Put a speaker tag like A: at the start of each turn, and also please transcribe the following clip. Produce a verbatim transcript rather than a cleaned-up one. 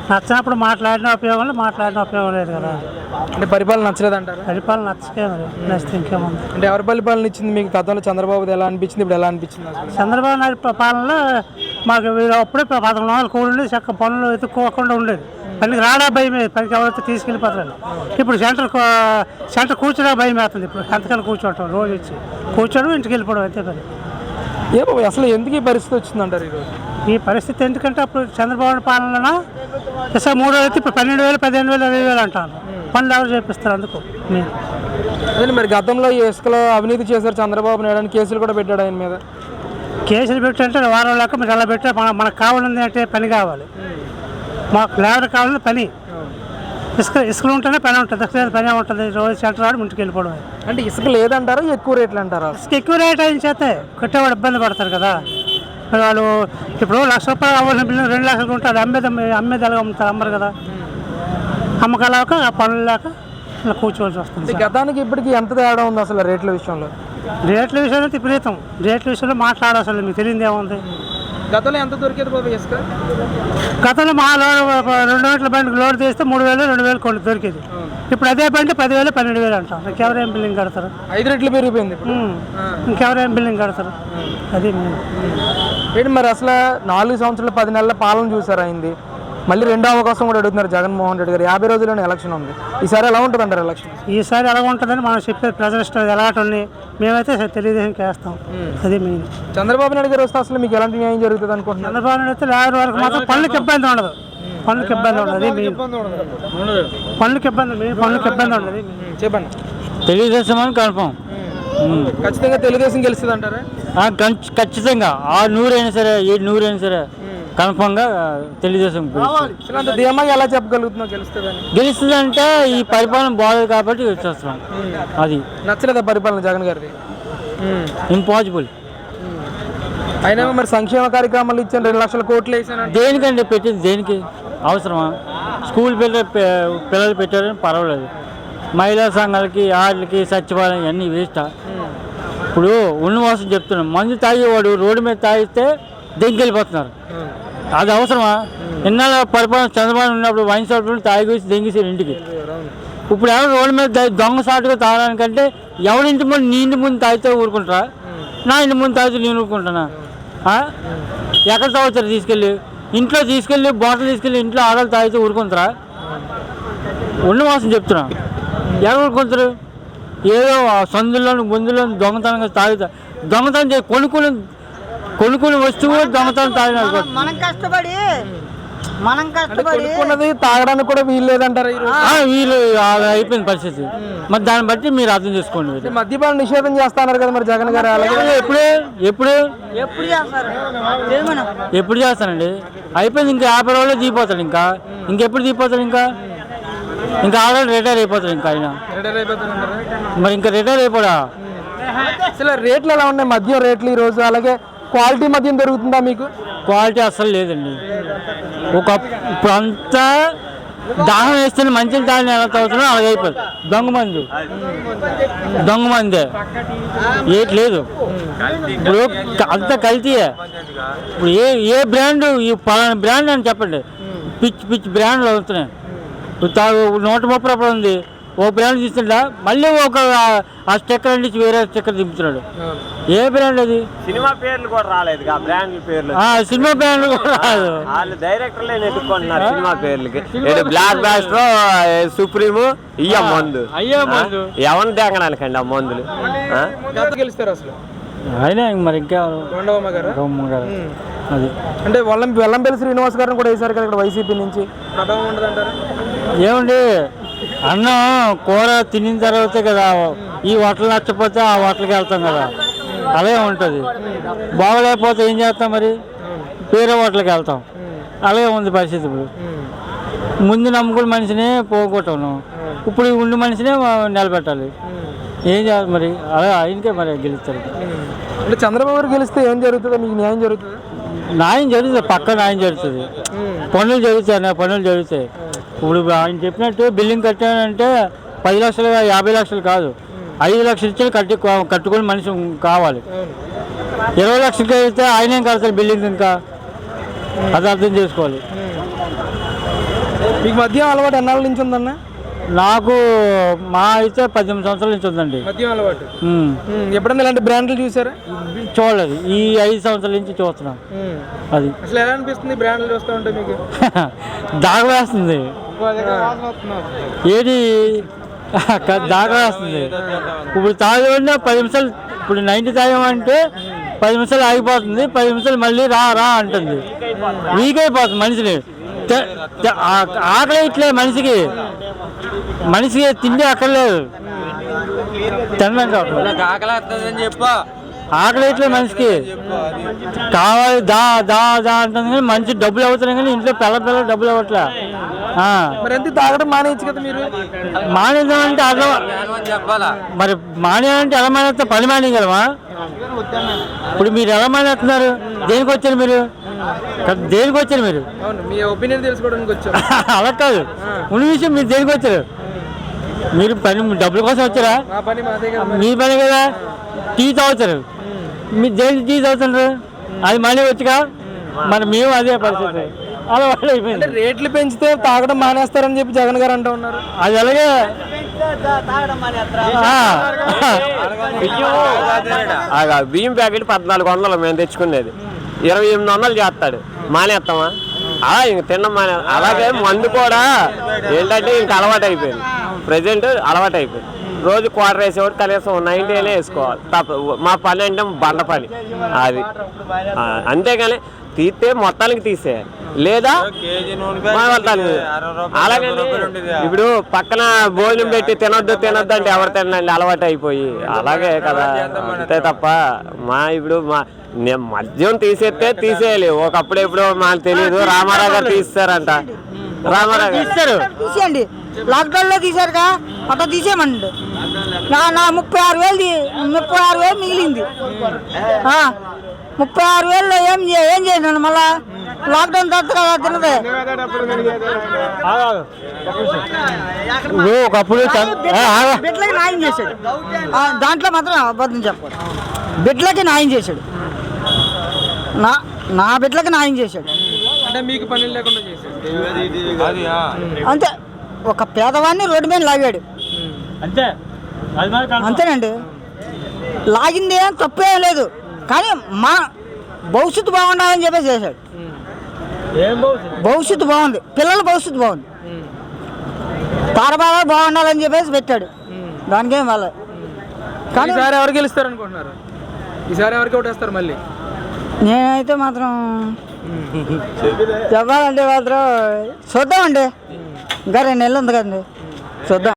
A: నచ్చినప్పుడు మాట్లాడిన ఉపయోగం లేదు, మాట్లాడిన ఉపయోగం లేదు కదా.
B: అంటే పరిపాలన నచ్చలేదు అంటారు.
A: పరిపాలన నచ్చకే మరి నచ్చితే ఇంకేముంది.
B: అంటే ఎవరి పరిపాలన ఇచ్చింది మీకు? గతంలో చంద్రబాబు ఎలా అనిపించింది, ఇప్పుడు ఎలా అనిపించింది?
A: చంద్రబాబు నాయుడు పాలనలో మాకు అప్పుడే పదకొండు వందలు కూడి చక్క పనులు ఎత్తుక్కోకుండా ఉండేది. పనికి రాడా భయం, పనికి ఎవరైతే తీసుకెళ్ళిపోతారు. ఇప్పుడు సెంటర్ సెంటర్ కూర్చోడా భయం వేస్తుంది. ఇప్పుడు ఎంతకన్నా కూర్చోవటం, రోజు వచ్చి కూర్చోవడం, ఇంటికి వెళ్ళిపోవడం అంతే పని.
B: ఏమో అసలు ఎందుకు ఈ పరిస్థితి వచ్చిందంటారు ఈరోజు?
A: ఈ పరిస్థితి ఎందుకంటే అప్పుడు చంద్రబాబు పాలన ఇసా మూడు వేలు అయితే ఇప్పుడు పన్నెండు వేలు పదిహేను వేలు ఇరవై వేలు అంటాను. పనులు ఎవరు చేపిస్తారు అందుకు.
B: అదే మరి గతంలో ఈ ఇసుకలో అవినీతి చేశారు చంద్రబాబు నాయుడు అని కేసులు కూడా పెట్టాడు ఆయన మీద.
A: కేసులు పెట్టంటే వారం లేక మీరు అలా పెట్టే మనకు కావాలంది అంటే పని కావాలి. మాకు లేబర్ కావాలని పని. ఇసుక ఇసుకలు ఉంటేనే పని ఉంటుంది, ఇసుక పని ఉంటుంది. రోజు సెంటర్ వాడు ఇంటికి వెళ్ళిపోవడం.
B: అంటే ఇసుక లేదంటారా, ఎక్కువ రేట్లు అంటారా?
A: ఇసుక ఎక్కువ రేట్ అయిన చేస్తే కట్టేవాడు ఇబ్బంది పడతారు కదా. వాళ్ళు ఇప్పుడు లక్ష రూపాయలు అవ్వాల్సిన బిల్లు రెండు లక్షలు ఉంటుంది. అమ్మేది అమ్మేది ఎలాగ అమ్ముతారు, అమ్మరు కదా. అమ్మకాలేక ఆ పనులు లేక ఇలా కూర్చోవలసి వస్తుంది.
B: గతానికి ఇప్పటికి ఎంత తేడా ఉంది అసలు రేట్ల విషయంలో?
A: రేట్ల విషయంలో విపరీతం. రేట్ల విషయంలో మాట్లాడాలి, అసలు మీకు తెలియదు ఏముంది.
B: గతంలో ఎంత దొరికేది బాబు ఇసుక?
A: గతంలో మా లోడ్ రెండు గంటల బండి లోడ్ చేస్తే మూడు వేలు రెండు వేలు కొన్ని దొరికేది. ఇప్పుడు అదే బండి పదివేలు పన్నెండు వేలు అంటాం. ఇంకెవరేం బిల్లింగ్ కడతారు?
B: ఐదు రెట్లు పెరిగిపోయింది.
A: ఇంకెవరేం బిల్లింగ్ కడతారు? అది
B: ఏంటి మరి అసలు నాలుగు సంవత్సరాలు పది నెలల పాలన చూసారు అయింది. మళ్ళీ రెండో అవకాశం కూడా అడుగుతున్నారు జగన్మోహన్ రెడ్డి గారు. యాభై రోజుల్లోనే ఎలక్షన్ ఉంది. ఈసారి ఎలా ఉంటుంది అంటారు ఎలక్షన్?
A: ఈసారి ఎలా ఉంటుందని మనం చెప్పేది ప్రజల ఇష్టం. ఎలాంటి మేమైతే తెలుగుదేశంకి వేస్తాం. అది మెయిన్.
B: చంద్రబాబు నాయుడు గారు వస్తే అసలు మీకు ఎలాంటి న్యాయం జరుగుతుంది అనుకుంటున్నారు?
A: చంద్రబాబు నాయుడు అయితే లేబర్ వరకు మాత్రం పనులకు ఇబ్బంది ఉండదు. పనులకు ఇబ్బంది ఉండదు. అది మెయిన్. పనులకు ఇబ్బంది పనులకు ఇబ్బంది ఉండదు.
B: చెప్పండి.
C: తెలుగుదేశం అని కన్ఫర్మ్.
B: ఖచ్చితంగా తెలుగుదేశం గెలుస్తుంది అంటారా?
C: ఖచ్చితంగా ఆ నూరైనా సరే ఏ నూరైనా సరే కన్ఫర్మ్గా తెలుగుదేశం
B: ధీమాగా ఎలా చెప్పగలుగుతున్నావు గెలుస్తుందని?
C: గెలుస్తుంది అంటే ఈ పరిపాలన బాగలేదు కాబట్టి వచ్చేస్తున్నాం. అది
B: నచ్చలేదా పరిపాలన జగన్ గారిది?
C: ఇంపాసిబుల్.
B: అయినా మరి సంక్షేమ కార్యక్రమాలు ఇచ్చాను, రెండు లక్షల కోట్లు వేసాను.
C: దేనికండి పెట్టింది? దేనికి అవసరమా? స్కూల్ పిల్లలు పిల్లలు పెట్టారని పర్వాలేదు. మహిళా సంఘాలకి వాటికి సచివాలయం ఇవన్నీ వేస్టా? ఇప్పుడు ఉన్నవాసం చెప్తున్నాం, మందు తాగేవాడు రోడ్డు మీద తాగిస్తే దెంగిపోతున్నారు. అది అవసరమా? ఇన్నాళ్ళ పరిపాలన చంద్రబాబు ఉన్నప్పుడు వైన్ షాప్లో తాగేసి దెంగేసారు ఇంటికి. ఇప్పుడు ఎవరు రోడ్డు మీద దొంగ సాటుగా తాగడానికంటే ఎవరింటి ముందు నీ ఇంటి ముందు తాగితే ఊరుకుంటారా? నా ఇంటి ముందు తాగితే నేను ఊరుకుంటానా? ఎక్కడ తాగుతారు? తీసుకెళ్ళి ఇంట్లో తీసుకెళ్ళి బాటిల్ తీసుకెళ్ళి ఇంట్లో ఆడలు తాగితే ఊరుకుంటారా? ఉన్నవాసం చెప్తున్నా, ఎవరు ఊరుకుంటారు? ఏదో సందుల్లో ముందులో దొంగతనంగా తాగుతా దొంగతనం చేసి కొనుక్కుని కొనుక్కుని వస్తువు దొంగతనం తాగిన
D: మనం కష్టపడి మనం కష్టపడి
B: తాగడానికి కూడా వీలు లేదంటారు.
C: వీలు అయిపోయిన పరిస్థితి. మరి దాన్ని బట్టి మీరు అర్థం చేసుకోండి.
B: మద్యపాన నిషేధం చేస్తున్నారు కదా మరి జగన్ గారు.
C: అలాగే ఎప్పుడు ఎప్పుడు
D: ఎప్పుడు చేస్తారు?
C: ఎప్పుడు చేస్తానండి? అయిపోయింది. ఇంకా యాభై రోజులు దిగిపోతాడు. ఇంకా ఇంకెప్పుడు దిగిపోతాడు? ఇంకా ఇంకా ఆల్రెడీ రిటైర్ అయిపోతాడు. ఇంకా ఆయన మరి ఇంకా రిటైర్ అయిపోడా?
B: అసలు రేట్లు ఎలా ఉన్నాయి మద్యం రేట్లు ఈరోజు? అలాగే క్వాలిటీ మద్యం దొరుకుతుందా మీకు?
C: క్వాలిటీ అస్సలు లేదండి. ఒక ఇప్పుడు అంతా దాహం వేస్తే మంచిని తాగిన ఎలా తాగుతున్నా అలాగే అయిపోతుంది. దొంగ మందు దొంగ మందే ఏటి లేదు. ఇప్పుడు అంతా కల్తీయే. ఇప్పుడు ఏ ఏ బ్రాండ్ ఈ పలానా బ్రాండ్ అని చెప్పండి, పిచ్చి పిచ్చి బ్రాండ్లు అవుతున్నాయి. తాగు నూట ముప్పై రూపాయలు ఉంది, ఓ బ్రాండ్ తీసుకుంటా మళ్ళీ ఒక ఆ స్టిక్కర్ అండి వేరే స్టిక్కర్ దింపుతున్నాడు. ఏ బ్రాండ్ అది?
E: సినిమా పేర్లు కూడా రాలేదు. బ్రాండ్ పేర్లు
C: సినిమా బ్రాండ్ కూడా రాదు.
E: వాళ్ళు డైరెక్టర్లే నెట్టుకుంటున్నారు సినిమా పేర్లకి. బ్లాక్ బాస్టర్, సుప్రీం ఇయ్య మందు
C: అయ్యో మందు
E: ఎవరిని తేగడానికండి ఆ మందులు?
B: గెలుస్తారు అసలు
C: అయినా మరి ఇంకా
B: అది అంటే వెల్లం వెల్లంపల్లి శ్రీనివాస్ గారిని కూడా వేశారు కదా ఇక్కడ వైసీపీ నుంచి. ప్రభావం ఉండదంటారా?
C: ఏమండి, అన్నం కూర తినిన తర్వాతే కదా ఈ హోటల్ నచ్చపోతే ఆ హోటల్కి వెళ్తాం కదా, అలాగే ఉంటుంది. బాగలేకపోతే ఏం చేస్తాం? మరి వేరే హోటల్కి వెళ్తాం. అలాగే ఉంది పరిస్థితి. ఇప్పుడు ముందు నమ్ముకున్న మనిషినే పోగొట్టాను, ఇప్పుడు ఉండి మనిషినే నిలబెట్టాలి. ఏం చేయాలి మరి? అలా ఆయనకే మరి గెలుస్తారు.
B: అంటే చంద్రబాబు గారు గెలిస్తే ఏం జరుగుతుందో మీకు న్యాయం జరుగుతుంది?
C: న్యాయం జరుగుతుంది, పక్క న్యాయం జరుగుతుంది. పనులు జరుగుతాయి, పనులు జరుగుతాయి. ఇప్పుడు ఆయన చెప్పినట్టు బిల్డింగ్ కట్టానంటే పది లక్షలు యాభై లక్షలు కాదు, ఐదు లక్షలు ఇచ్చి కట్టి కట్టుకుని మనిషి కావాలి. ఇరవై లక్షలకి అయితే ఆయన ఏం కడతారు బిల్డింగ్? ఇంకా అది అర్థం చేసుకోవాలి.
B: మీకు మద్యం అలవాటు ఎన్నాళ్ళ నుంచి ఉందన్న?
C: నాకు మా అయితే పద్దెనిమిది సంవత్సరాల నుంచి ఉందండి
B: మద్యం అలవాటు.
C: ఉమ్.
B: ఉమ్, ఎప్పుడన్నా ఇలాంటి బ్రాండ్లు చూసారా?
C: చూడలేదు, ఈ ఐదు సంవత్సరాల నుంచి చూస్తున్నాం.
B: ఉమ్.
C: అది
B: అసలు ఎలా అనిపిస్తుంది బ్రాండ్లు చూస్తూ ఉంటే మీకు?
C: దాగ వేస్తుంది ఏది దాగ వేస్తుంది. ఇప్పుడు తాగేవాడినా పది నిమిషాలు, ఇప్పుడు నైన్టీ తాగామంటే పది నిమిషాలు ఆగిపోతుంది, పది నిమిషాలు మళ్ళీ రా రా అంటుంది. వీక్ అయిపోతుంది మనిషిని. తె- తె- ఆ- ఆకలి ఇట్లే మనిషికి, మనిషికి తిండి అక్కర్లేదు, తినడం చెప్పు ఆకలి ఇట్లే మనిషికి కావాలి దా దా దా అంటుంది కానీ మనిషి డబ్బులు అవుతున్నాయి కానీ ఇంట్లో పిల్ల పిల్ల డబ్బులు అవ్వట్లే.
B: మరి ఎంత తాగడం మానేయచ్చు కదా మీరు?
C: మానేద్దామంటే అర్థం, మరి మానేయాలంటే ఎలా మానేస్తా? పని మానేయగలమా? ఇప్పుడు మీరు ఎలా మానేస్తున్నారు? దేనికి వచ్చారు మీరు? దేనికి వచ్చారు మీరు?
B: అవును, మీ ఒపీనియన్ తెలుసుకోవడానికి వచ్చారు.
C: అలా కాదు, ఉన్న విషయం మీరు దేనికి వచ్చారు? మీరు పని డబ్బుల కోసం వచ్చారా?
B: మా పని మాదే కదా.
C: మీ పని కదా. టీ తాగుతారు, మీరు దేనికి టీ తాగుతున్నారు? అది మళ్ళీ వచ్చుగా. మరి మేము అదే పరిస్థితి, అలా వాళ్ళు అయిపోయింది.
B: రేట్లు పెంచితే తాగడం మానేస్తారని చెప్పి జగన్ గారు అంటూ ఉన్నారు.
C: అది అలాగే
E: ఆగా బియ్యం ప్యాకెట్ పద్నాలుగు వందలు మేము తెచ్చుకునేది ఇరవై ఎనిమిది వందలు చేస్తాడు. మానేస్తామా? అలా ఇంక తిన్నాం మానే. అలాగే మందు కూడా ఏంటంటే ఇంక అలవాటు అయిపోయింది. ప్రజెంట్ అలవాటు అయిపోయింది. రోజు క్వార్టర్ వేసేవాడు కనీసం నైన్టీ అయినా వేసుకోవాలి. తప్ప మా పని అంటే బండ పని అది. ఆ, అంతేగాని తీస్తే మొత్తానికి తీసేయాలి, లేదా మొత్తానికి. అలాగే ఇప్పుడు పక్కన భోజనం పెట్టి తినొద్దు తినొద్దు అంటే ఎవరు తినండి, అలవాటు అయిపోయి. అలాగే కదా, అంతే తప్ప మా ఇప్పుడు మా నేను మద్యం తీసేస్తే తీసేయాలి. ఒకప్పుడు ఎప్పుడో మాకు తెలియదు, రామారావు గారు తీస్తారంట. రామారావు గారు
C: ఇస్తారు.
D: తీసేయండి, లాక్డౌన్ లో తీసారుగా, అట్లా తీసేయమండి. నా నా ముప్పై ఆరు వేలు తీ- ముప్పై ఆరు వేలు మిగిలింది. ఆ, ముప్పై ఆరు వేలు ఏం చే- ఏం చేసినాను మళ్ళా? లాక్డౌన్ తర్వాత కదా తినదే.
C: ఇప్పుడు ఒకప్పుడు చ- ఏ, ఆగా.
D: బిడ్డలకి న్యాయం చేశాడు. ఆ, దాంట్లో మాత్రం అబద్ధం చెప్పాడు. బిడ్డలకి న్యాయం చేశాడు. నా నా బిడ్డలకి న్యాయం చేశాడు.
B: అంటే మీకు పని లేకుండా చేశారు.
D: అంతే, ఒక పేదవాడిని రోడ్డు మీద లాగాడు
C: అంతే, అది మరి కాదు.
D: అంతేనండి. లాగింది ఏం తప్పేం లేదు, కానీ మా భవిష్యత్తు బాగుండాలని చెప్పేసి చేశాడు.
C: ఏం బాగుంది?
D: భవిష్యత్తు బాగుంది, పిల్లల భవిష్యత్తు బాగుంది, తారబాగా బాగుండాలని చెప్పేసి పెట్టాడు. దానికేం వాళ్ళ. కానీ
B: ఈసారి ఎవరు గెలుస్తారు అనుకుంటున్నారు? ఈసారి ఎవరికి ఓటేస్తారు మళ్ళీ?
D: నేనైతే మాత్రం చెప్పాలంటే మాత్రం చూద్దామండి. ఇంకా రెండు నెలలు ఉంది కదండి, చూద్దాం.